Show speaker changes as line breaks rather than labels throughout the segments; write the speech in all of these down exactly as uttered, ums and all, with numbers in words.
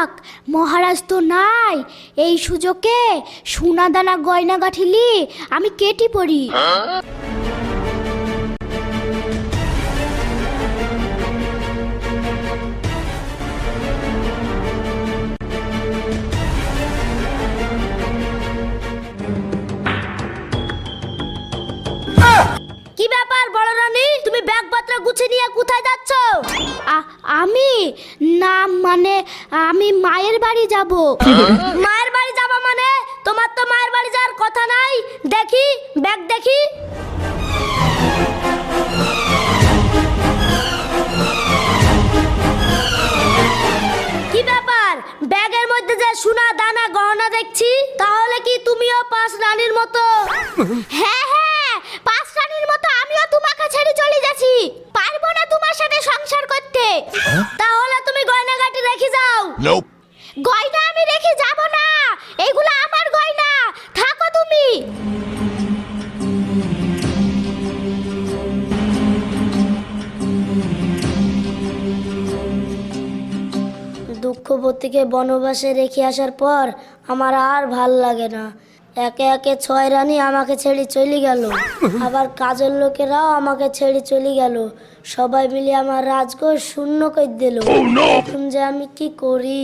যাক, মহারাজ তো নাই, এই সুযোগে সোনা দানা গয়না গাঠিলি আমি কেটি পড়ি। কি ব্যাপার বড় রানী, তুমি ব্যাগপত্র গুছিয়ে নিয়ে কোথায় যাচ্ছ? আমি না মানে আমি মায়ের বাড়ি যাব। মায়ের বাড়ি যাবা মানে? তোমার তো মায়ের বাড়ি যাওয়ার কথা নাই। দেখি ব্যাগ দেখি। কি ব্যাপার, ব্যাগের মধ্যে যে সোনা দানা গহনা দেখছি, তাহলে কি তুমিও পাঁচ রানীর মতো? হ্যাঁ হ্যাঁ, পাঁচ রানীর মতো আমিও তোমাকে ছেড়ে চলে যাচ্ছি, পারবো না তোমার সাথে সংসার করতে। তাহলে তুমি গয়না গাটি রেখে যাও। গয়না আমি রেখে যাব না, এগুলো আমার গয়না, থাকো তুমি। দুঃখবতীকে বনবাসে রেখে আসার পর আমার আর ভাল লাগে না। একে একে ছয় রানী আমাকে ছেড়ে চলে গেল, আবার কাজের লোকেরাও আমাকে ছেড়ে চলে গেল। সবাই মিলে আমার রাজকোষ শূন্য করে দিল। এখন যে আমি কি করি?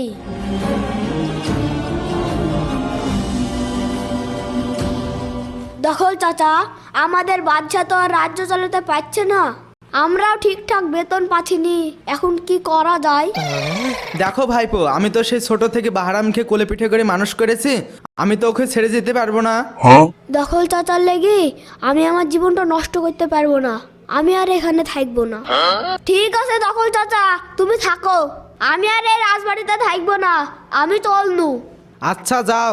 দখল চাচা, আমাদের বাদশা তো আর রাজ্য চালাতে পারছে না, আমরাও ঠিকঠাক বেতন পাচ্ছিনি, এখন কি করা যায়?
দেখো ভাইপো, আমি তো সেই ছোট থেকে বাহারামকে কোলে পিঠে করে মানুষ করেছি, আমি তো ওকে ছেড়ে যেতে পারবো না।
দখল চাচার লেগে আমি আমার জীবনটা নষ্ট করতে পারবো না, আমি আর এখানে থাকবো না। ঠিক আছে দখল চাচা, তুমি থাকো, আমি আর এই রাজবাড়িতে থাকবো না, আমি চলনু।
আচ্ছা যাও।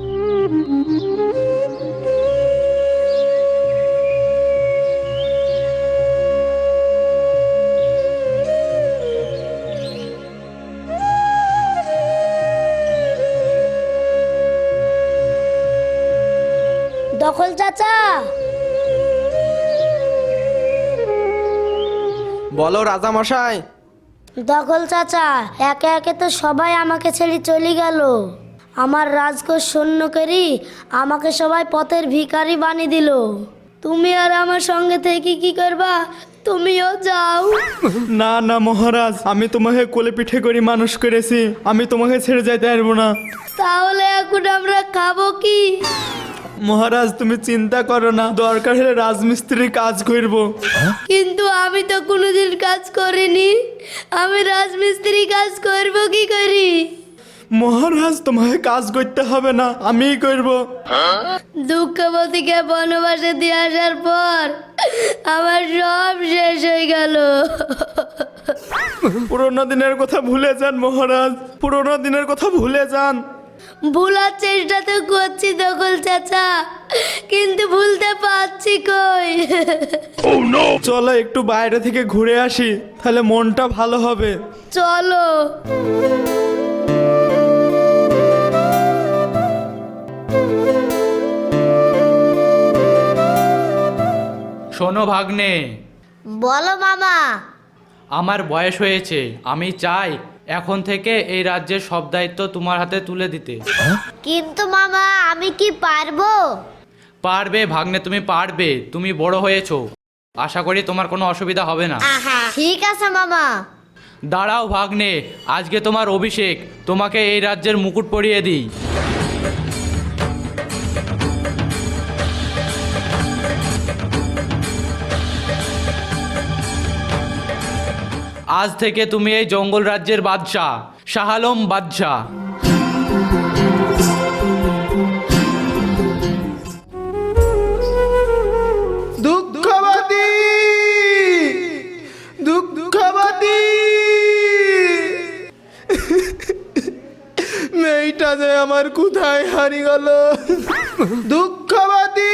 দখল চাচা।
বলো রাজা মশাই।
দখল চাচা, একে একে তো সবাই আমাকে ছেড়ে চলে গেল, আমার রাজকোষ শূন্য করি আমাকে সবাই পথের ভিখারি বানিয়ে দিল। তুমি আর আমার সঙ্গে থেকে কি করবা? তুমিও যাও।
না না মহারাজ, আমি তোমাকে কোলে পিঠে করে মানুষ করেছি, আমি তোমাকে ছেড়ে যেতে পারবো না।
তাহলে এখন আমরা খাবো কি?
মহারাজ তুমি চিন্তা করো না, দরকার হলে রাজমিস্ত্রির কাজ করবো।
কিন্তু আমি তো কোনোদিন কাজ করিনি, আমি রাজমিস্ত্রি কাজ করব কি করি?
মহারাজ তোমাকে কাজ করতে হবে না, আমিই করব।
দুঃখবতীকে বনবাসে দিয়ে আসার পর আমার সব শেষ হয়ে গেল।
পুরোনো দিনের কথা ভুলে যান মহারাজ, পুরোনো দিনের কথা ভুলে যান।
ভুলার চেষ্টা তো করছি দখল চাচা, কিন্তু ভুলতে পারছি কই।
চলো একটু বাইরে থেকে ঘুরে আসি, তাহলে মনটা ভালো হবে।
চলো।
শোনো ভাগ্নে।
বলো মামা।
আমার বয়স হয়েছে, আমি চাই এখন থেকে এই রাজ্যের সব দায়িত্ব তোমার হাতে তুলে দিতে।
কিন্তু মামা আমি কি পারবো?
পারবে ভাগ্নে, তুমি পারবে, তুমি বড় হয়েছো, আশা করি তোমার কোনো অসুবিধা হবে না।
ঠিক আছে মামা।
দাঁড়াও ভাগ্নে, আজকে তোমার অভিষেক, তোমাকে এই রাজ্যের মুকুট পরিয়ে দিই। আজ থেকে তুমি এই জঙ্গল রাজ্যের বাদশা, শাহ আলম বাদশা।
দুঃখবতী, দুঃখবতী, মেয়েটা যে আমার কোথায় হারিয়ে গেল। দুঃখবতী।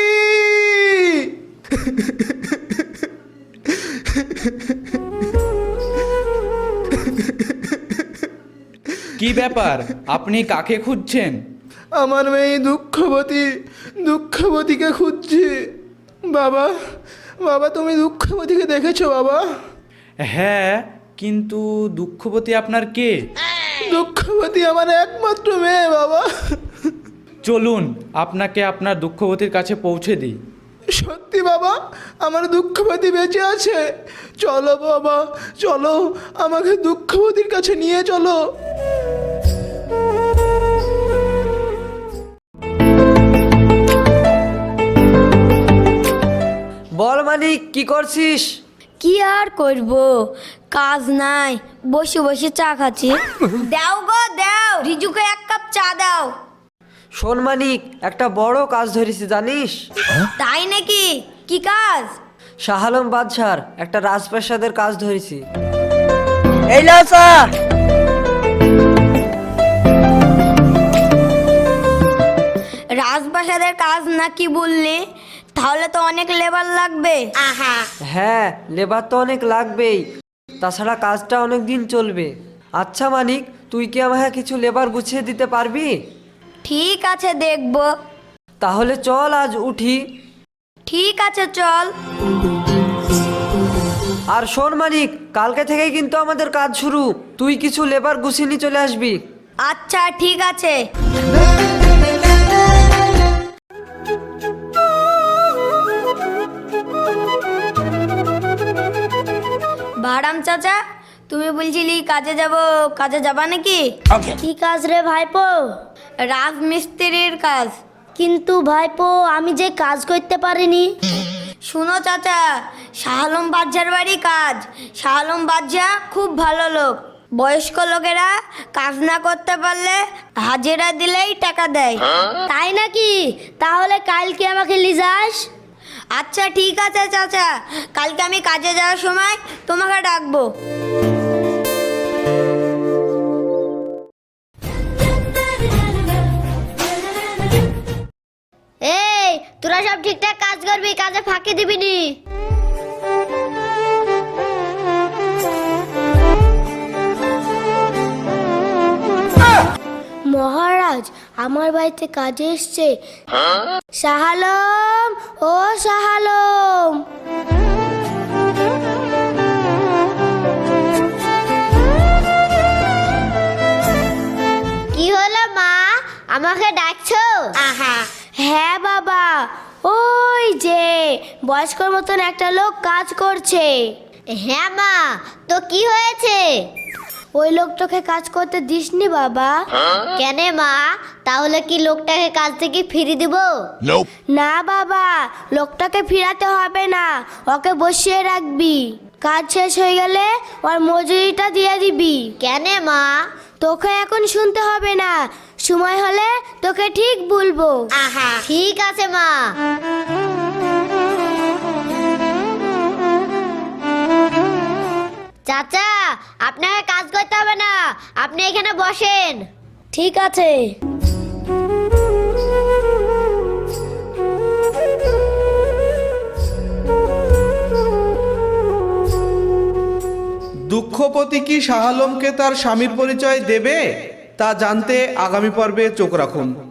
কি ব্যাপার, আপনি কাকে খুঁজছেন?
আমার মেয়ে দুঃখবতী, দুঃখবতীকে খুঁজছি। বাবা, বাবা তুমি দুঃখবতীকে দেখেছো বাবা?
হ্যাঁ, কিন্তু দুঃখবতী আপনার কে?
দুঃখবতী আমার একমাত্র মেয়ে বাবা।
চলুন আপনাকে আপনার দুঃখবতীর কাছে পৌঁছে দিই।
সত্যি বাবা, আমার দুঃখবতী বেঁচে আছে। চলো বাবা, চলো, আমাকে দুঃখবতীর কাছে নিয়ে চলো।
বল মানিক, কি করছিস?
কি আর করব, কাজ নাই, বসে বসে চা খাচ্ছি। দাও গো দাও, রিজুকে এক কাপ চা দাও।
শোন মানিক, একটা বড় কাজ ধরেছি জানিস?
তাই নাকি? কি কাজ?
শাহ আলম বাদশার একটা রাজপ্রাসাদের কাজ ধরেছি। এই লাও চা।
রাজপ্রাসাদের কাজ নাকি বললে? তাহলে তো অনেক লেবার লাগবে।
হ্যাঁ, লেবার তো অনেক লাগবেই, তাছাড়া কাজটা অনেক দিন চলবে। আচ্ছা মানিক, তুই কি আমাকে কিছু লেবার গুছিয়ে দিতে পারবি?
ঠিক আছে, দেখবো।
তাহলে চল আজ উঠি।
ঠিক আছে, চল।
আর শোন মানিক, কালকে থেকেই কিন্তু আমাদের কাজ শুরু। তুই কিছু লেবার গুছিয়ে নিয়ে চলে আসবি।
আচ্ছা, ঠিক আছে। বারাম চাচা, তুমি বলছিলি কাজে যাব, কাজে যাবা নাকি? কি কাজ রে ভাইপো? রাজমিস্ত্রির কাজ। কিন্তু ভাইপো, আমি যে কাজ করতে পারিনি। শুনো চাচা, শাহ আলম বাদশার বাড়ি কাজ। শাহ আলম বাদশা খুব ভালো লোক। বয়স্ক লোকেরা কাজ না করতে পারলে হাজিরা দিলেই টাকা দেয়। তাই নাকি? তাহলে কালকে আমাকে লিজাস। আচ্ছা ঠিক আছে চাচা, কালকে আমি কাজে যাওয়ার সময় তোমাকে ডাকবো। এই, তোরা সব ঠিকঠাক কাজ করবি, কাজে ফাঁকি দিবি নি। মহারাজ, আমার বাড়িতে কাজে এসছে। শাহ আলম, ও শাহ আলম। কি হলো মা, আমাকে ডাকছো? হ্যাঁ বাবা, ওই যে বয়স্কর মতন একটা লোক কাজ করছে। হ্যাঁ মা, তো কি হয়েছে? ওই লোকটাকে কাজ করতে দিসনি বাবা। কেন মা, তাহলে কি লোকটাকে কাজ থেকে ফিরিয়ে দিব? না বাবা, লোকটাকে ফিরাতে হবে না, ওকে বসিয়ে রাখবি। কাজ শেষ হয়ে গেলে ওর মজুরিটা দিয়ে দিবি। কেন মা? তোকে এখন শুনতে হবে না, সময় হলে তোকে ঠিক বলবো। ঠিক আছে মা। চাচা, আপনাকে কাজ করতে হবে না, আপনি এখানে বসেন। ঠিক আছে।
দুঃখপতি কি শাহ আলমকে তার স্বামীর পরিচয় দেবে তা জানতে আগামী পর্বে চোখ রাখুন।